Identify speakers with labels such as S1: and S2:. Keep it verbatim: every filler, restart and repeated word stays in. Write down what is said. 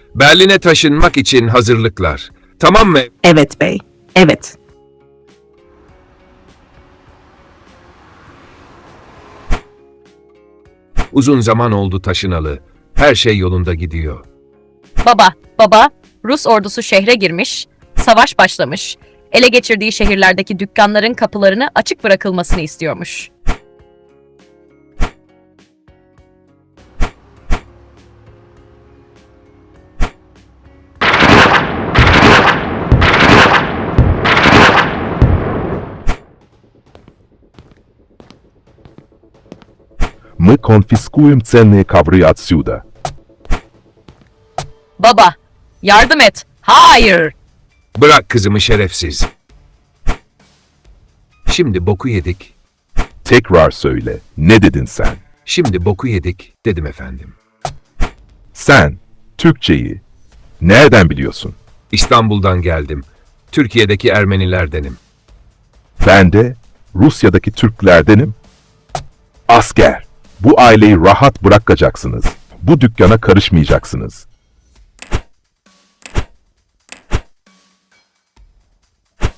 S1: Berlin'e taşınmak için hazırlıklar. Tamam mı?
S2: Evet bey. Evet.
S1: Uzun zaman oldu taşınalı. Her şey yolunda gidiyor.
S3: Baba, baba, Rus ordusu şehre girmiş, savaş başlamış, ele geçirdiği şehirlerdeki dükkanların kapılarını açık bırakılmasını istiyormuş.
S4: Мы конфискуем ценные ковры отсюда.
S3: Baba, yardım et. Hayır!
S1: Bırak kızımı şerefsiz. Şimdi boku yedik.
S4: Tekrar söyle. Ne dedin sen?
S1: Şimdi boku yedik dedim efendim.
S4: Sen Türkçeyi nereden biliyorsun?
S1: İstanbul'dan geldim. Türkiye'deki Ermenilerdenim.
S4: Ben de Rusya'daki Türklerdenim. Asker, bu aileyi rahat bırakacaksınız. Bu dükkana karışmayacaksınız.